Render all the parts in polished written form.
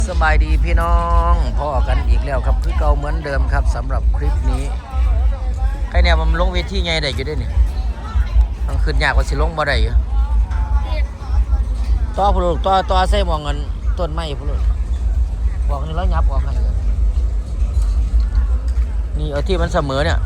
สบายดีพี่น้องพ่อกันอีกแล้วครับคือเก่าเหมือนเดิมครับสำหรับคลิปนี้ใครเนี่ยมันลงเวทีไงได้อยู่ด้วยนี่มันขึ้นยากกว่าสิลงบ่ได้อยู่ต่อผู้ลูกต่อใส่มองเงินต้นไม้ผู้ลูกบอกนี่แล้วยับออกให้นี่เอาที่มันเสมอเนี่ย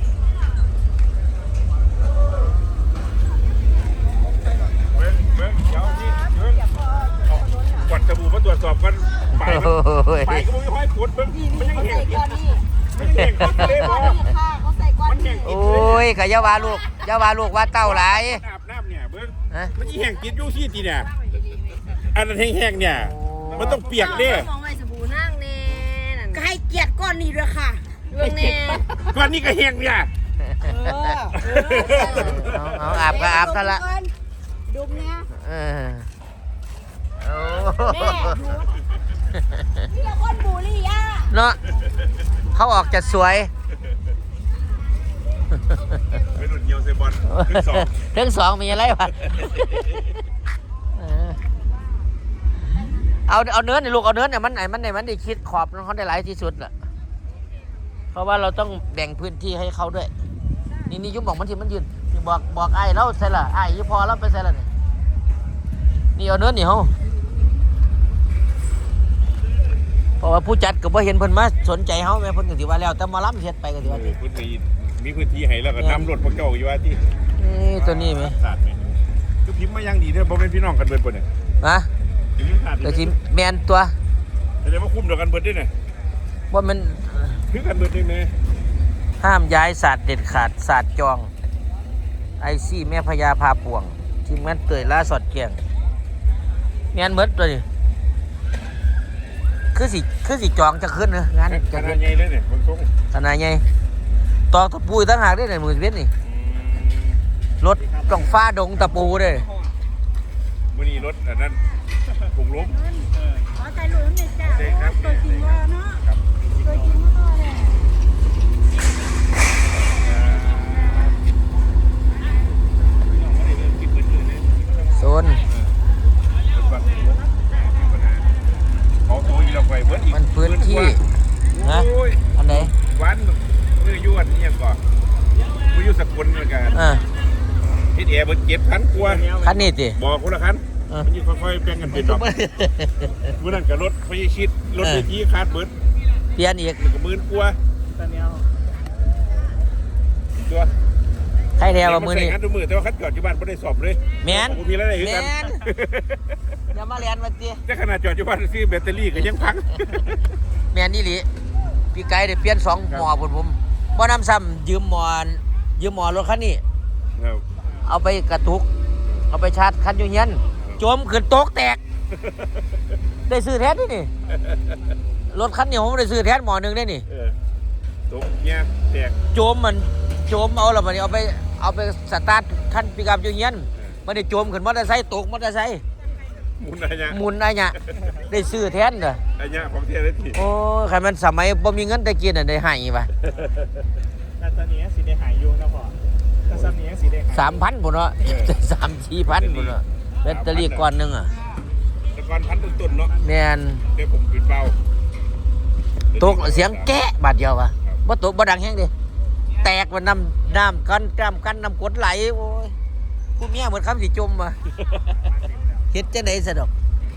กดสบู่มาตรวจสอบกันไปก็ไม่ค่อยปวดมันยังแห้งมันแห้งเลยพอมันแห้งโอ้ยขยาวาลูกว่าเต้าหลายอาบน้ำเนี่ยเบิ้งมันยี่แห้งกินยูซี่ตีเนี่ยอันนั้นแห้งเนี่ยมันต้องเปียกเนี่ยมองไว้สบู่นั่งเน่ก็ให้เกียรติก้อนนี้ด้วยค่ะเรื่องเน่ก้อนนี้ก็แห้งเนี่ยเอาอาบก็อาบซะละดุมเนี่ยแม่นี่ละคนบูรี่อ่ะเนาะเขาออกจะสวยไม่หนุนเยียวเซบอลทั้งสองมีอะไรวะเอาเนื้อเนี่ยลูกเอาเนื้อเนี่ยมันได้คิดขอบเขาได้หลายที่สุดแหละเพราะว่าเราต้องแบ่งพื้นที่ให้เขาด้วยนี่ยุบบอกมันที่มันยืนบอกไอ้เราใส่ละไอ้ยุพอเราไปใส่ละนี่เอาเนื้อนี่เขาเพราะว่าผู้จัดก็บ่เห็นเพิ่นมาสนใจเฮาแม่เพิ่นก็สิว่าแล้วแต่มาล้ำเฮ็ดไปก็สิว่าพื้นที่มีพื้นที่ให้แล้วก็นำรถพวกเจ้าอยู่ว่าที่นี่ตัวนี้มั้ยคือพิมพ์มายังดีเด้อบ่แม่นพี่น้องกันเบิดบ่เนี่ยฮะก็สิแม่นตัวแสดงว่าคุ้มเดียวกันเบิดด้วยเนี่ยบ่มันคือกันเบิดได้แม่ห้ามย้ายศาสตร์เด็ดขาดศาสตร์จองไอซี่แม่พญาพาป่วงทีมงานเตยล่าสอดเกียงแม่นหมดตัวนี้คือสิจองจะขึ้นนะงานจะขึ้นใหญ่เลยเนี่ยบางทรงขนาดใหญ่ต่อตะปูตั้งหากได้ในมือเวทนี่รถต้องฟ้าดงตะปูเลยมื้อนี้รถอันนั้นผงล้มขอใจหลุดเนี่ยจ้ะตัวจริงว่าเนาะตัวจริงว่าเลยโซนมันพื้นที่นะอันไหนวันมือยวนนี่ยังก่อนมือยุสกุลเหมือนกันที่เอ๋เบิดเก็บคันกลัวคันนี้สิบอกคนละคันมันยิ่งค่อยๆแบ่งกันเป็นดอกมือนั่นกับรถไฟชิดรถเวทีคาดเบิดเปลี่ยนอีกกับมือกลัวตัวใครแถวมือนี่คันตัวมือแต่ว่าคันจอดอยู่บ้านไม่ได้สอบเลยแมนมีอะไรอยู่กันอย่ามาเรียนมาจีแต่ขนาดจอดอยู่บ้านซื้อแบตเตอรี่ก็ยังพังแมนนี่หลีพี่ไก่เดี๋ยวเปลี่ยน2 หม้อผมบ่น้ำซ้ำยืมหม้อรถคันนี้เอาไปกระตุกเอาไปชาร์จคันอยู่เงี้ยจมขึ้นโต๊ะแตกได้ซื้อแทนนี่รถคันนี้ผมได้ซื้อแทนหม้อนึงได้นี่โต๊ะเงี้ยแตกจมเอาแล้วมันเอาไปสตาร์ทคันปิกอัพอยู่เงี้ยมันได้จมขึ้นมอเตอร์ไซค์ตกมอเตอร์ไซค์หมุนอะไรเนี่ยได้ซื้อแทนเด้อไอ้เนี่ยของเทียได้ทีโอ้ใครมันสมัยบ่มีเงินได้กินได้หายป่ะแต่ตอนนี้สิได้หายอยู่นะพ่อแต่ตอนนี้สิได้หาย 3,000พุ่นเนาะ3-4,000พุ่นเนาะแบตเตอรี่ก้อนนึงแต่ก้อนพันต้นเนาะแม่นเดี๋ยวผมปิดเบาตกเสียงแกะบาดเดียวว่ะบ่ตกบ่ดังแฮงดิแตกว่าน้ำกันน้ำกดไหลโอ้ยกูเมียเหมือนคำสิจมว่ะเฮ็ดจังได๋ซะดอก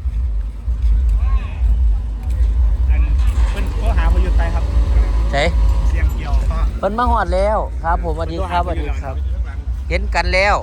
เป็นข้อหาประยุทธ์ไปครับใช่เสียงเกี่ยวเพิ่นมาฮอดแล้วครับผมสวัสดีครับเห็นกันแล้ว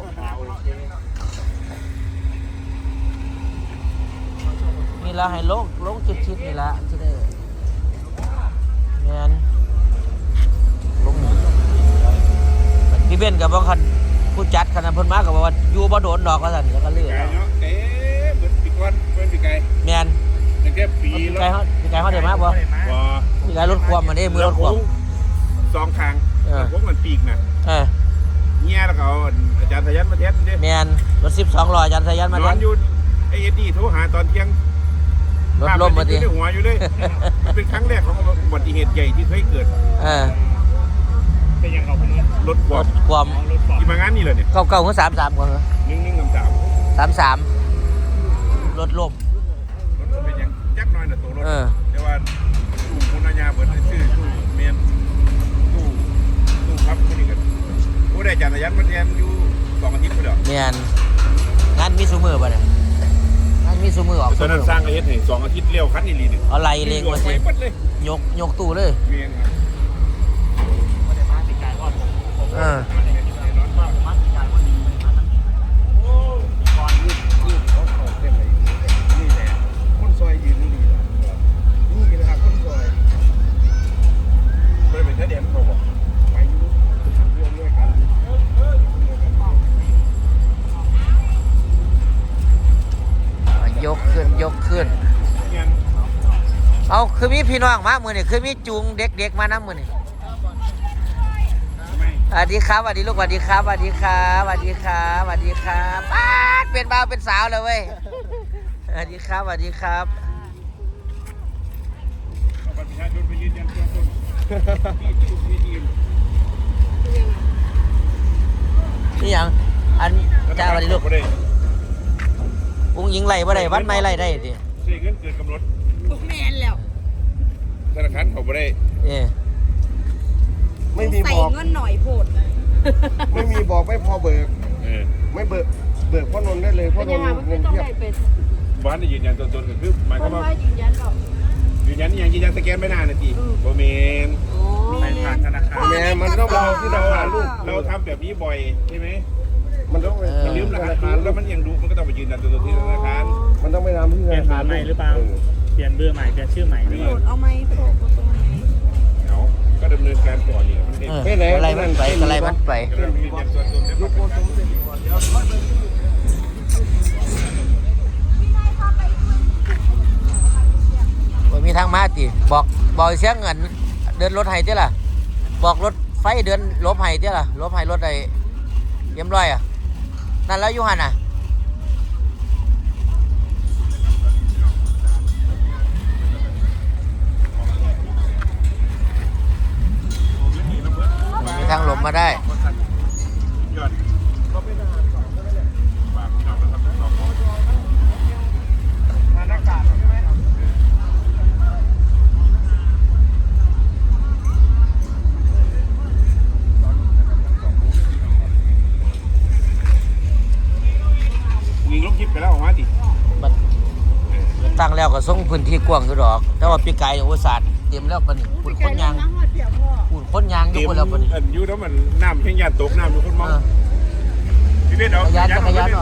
นี่ละให้ลงชิดนี่ละสิได้แม่นลงพี่เบนกับบ่คันผู้จัดคณะเพิ่นมาก็บอกว่าอยู่บ่โดนดอกว่าซั่นแล้วก็เลื่อนเอ๊ะเบิดปีก่อนเบิดปีไก่แม่นตั้งแต่ปีแล้วปีไก่เฮาได้มาบ่ปีไก่รถความมันเด้มือรถความ 2ทางพวกมันปีกน่ะเงี้ยแล้วก็อาจารย์สยันมาเทสเด้แม่นรถ12ล้ออาจารย์สยันมาเทสอยู่ไอ้เอ็ดดี้โทรหาตอนเที่ยงรถล้มมาดิหัวอยู่เลยเป็นครั้งแรกของอุบัติเหตุใหญ่ที่เคยเกิดเป็นยังเอาไปนี่รถความที่มางานนี่เลยเนี่ยเก่าคือ33ก่อนเหรอ 1 1 3 33รถล้มเป็นยังจักหน่อยน่ะตัวรถเออแต่ว่าตู้คุณอาญาเปิดชื่อตู้เมียนตู้พับคนนี้กันผู้ได้จักรยานมาแทนอยู่2 อาทิตย์พุ่นเด้อแม่นงานมีซุมื้อบ่เนี่ยงานมีซุมื้อออกตซุอนมื้นั้นสร้างก็เฮ็ดให้2 อาทิตย์เลี้ยวคันอีหลีนึงเอาไล่เลงมาสิไปหมดเลยยกตู้เลยเมียนครับไม่ได้มาติดการรอดผมเออว่าผมมาติดการว่าดีไม่ได้มาตั้งก่อนยืดเขาเข้าเส้นไหนนี่แหละคนซอยยืนนี่ล่ะนี่คือทางคนซอยบ่ได้เป็นทะเดียนเขาบอกไปอยู่ร่วมด้วยกันยกขึ้นยังเอาคือมีพี่น้องมามื้อนี้คือมีจูงเด็กๆมานํมื้อนี้ไม่สวัสดีครับสวัสดีลูกสวัสดีครับสวัสดีครับสวัสดีครับสวัสดีครับป๊าดเป็นบ่าวเป็นสาวเลยเว้ยสวัสดีครับสวัสดีครับเอาบัตรประชาชนไปยืนยันตัวตนที่ทีมนี่หยังอันจ้าสวัสดีลูกบ่ได้อุ้งยิงไล่บ่ได้วันไม่ไล่ได้ดิใช้เงินเกินกำหนดพวกแมนแล้วธนาคารเขาบ่ได้เออไม่มีใส่บอกเงินหน่อยโพดไม่มีบอกไม่พอเบิกเออไม่เบิกพ่อนนท์ได้เลยพ่อเป็นนยันงท์ไงมันเงินต้องเทียบได้เป็นบ้านได้ยืนยันตัวตนก็คือหมายคความนว่าว่ายืนยันเปล่ายืนยันนี่ยังยืนยันสแกนไม่นานนะทีบ่แม่นไปผ่านธนาคารแม่มันต้องรอที่ธนาคารลูกเราทำแบบนี้บ่อยใช่ไหมมันต้องไปมันลืมรหัสผ่านแล้วมันยังดูมันก็ต้องไปยืนยันตัวตนที่ธนาคารมันต้องไปทำที่ธเปลี่ยนาน คารใหม่หรือเปล่า เปลี่ยนเบอร์ใหม่ เปลี่ยนชื่อใหม่หรือโพเปล่าดเอาไหมโพดเอาตรงไหนเอาก็ดำเนินการก่อนนี่มันเองเอออะไรมันไปอะไรมันไปก็เรายืนยันตัวตนได้ลูกโคตรสมเด็จบ่มีทางมาติบอกเสียงเงินเดินรถให้ติล่ะบอกรถไฟเดินลบให้ติล่ะลบให้รถได้เรียบร้อยอ่ะนั่นแล้วอยู่หั่นน่ะมีทางหลบมาได้ยอดก็ไม่นานฝากพี่น้องนะครับทุกคนหน้ากากใช่ไหมยิงลูกยิบไปแล้วออกมาดิบัดตั้งแล้วก็ส่งพื้นที่กว้างอยู่ดอก แต่ว่าปีกายอุตสาห์เตรียมแล้วปะนี่ปุ่นคนยางน้ำหอดเปียกพ่อปุ่นคนยางอยู่เต็มปุ่นแล้วปะนี่อันอยู่แล้วมันน้ำแห้งยานตกน้ำอยู่คนมองเออพี่เบสเอาจักรยานออก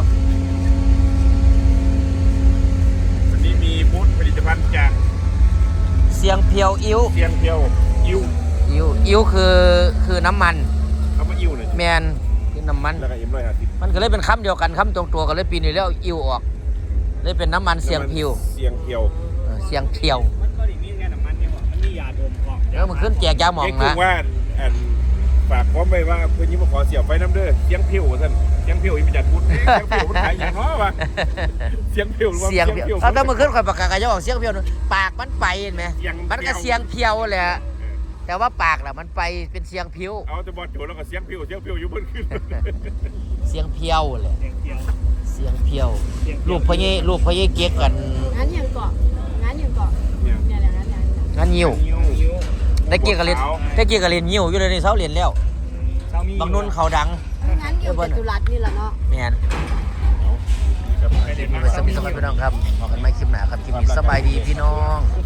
วันนี้มีบูธผลิตภัณฑ์จากเสียงเพียวอิ้วเซียงเพียวอิ้วอิ้วคือน้ำมันเอามาอิ้วเลยแมนคือน้ำมันแล้วก็M150 มันก็เลยเป็นคำเดียวกันคำตรงตัวกันเลยปีนี้แล้วเอาอิ้วออกเลยเป็นน้ำมันเสียงเพียวเสียงเพียวเสียงเพียวมันก็อย่างนี้แค่น้ำมันเนี่ยมันมียาดมก่อนแล้วมันขึ้นแจกยาหมองเจ๊นะคือว่าอันฝากพร้อมไปว่าเพื่อนยิ้มมาขอเสียบไฟน้ำเด้อเสียงเพียวท่านเสียงเพียวอีกจัดบูธเสียงเพียวมันขายอย่างน้อวะเสียงเพียวหรือว่าเสียงเพียวเอาแต่มันขึ้นคอยประกาศกันจะออกเสียงเพียวนู่นปากมันไปเห็นไหมมันก็เสียงเพียวแหละแต่ว่าปากน่ะมันไปเป็นเสียงเพียวเอาแต่บอลโจแล้วก็เสียงเพียวอยู่บนขึ้นเสียงเพียวแหละเสียงเดียวเสียงเพียวลูกพญเก๊กกันงั้นยังเกาะงั้นยังเกาะเนี่ยเนี่ยแหละงั้นอย่างงานยิ้วนิ้วได้เกียกกับเรียนได้เกียกกับเรียนยิ้วอยู่เลยในเสาเรียนแล้วบางนุ่นเขาดังงั้นอยู่จตุรัสนี่แหละเนาะแมนครับคลิปนี้ไปสมิธสมัยพี่น้องครับบอกกันไม่คลิปหนาครับคลิปนี้สบายดีพี่น้อง